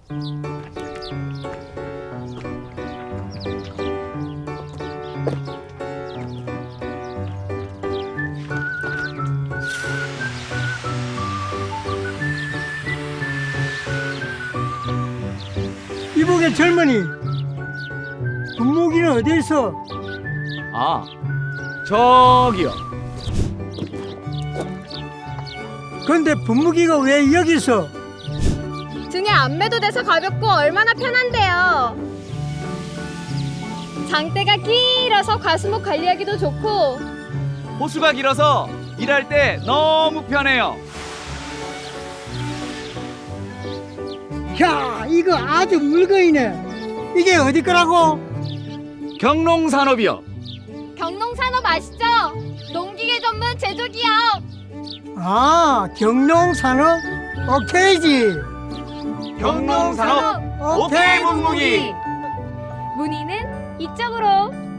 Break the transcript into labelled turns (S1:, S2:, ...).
S1: 이복의 젊은이, 분무기는 어디 있어?
S2: 아, 저기요.
S1: 근데 분무기가 왜 여기 있어?
S3: 등에 안매도 돼서 가볍고 얼마나 편한데요. 장대가 길어서 과수목 관리하기도 좋고
S2: 호수가 길어서 일할 때 너무 편해요.
S1: 야, 이거 아주 물건이네. 이게 어디 거라고?
S2: 경농산업이요.
S3: 경농산업 아시죠? 농기계 전문 제조기업.
S1: 아, 경농산업? 오케이지.
S2: 경농산업 오케이 분무기.
S3: 문의는 이쪽으로.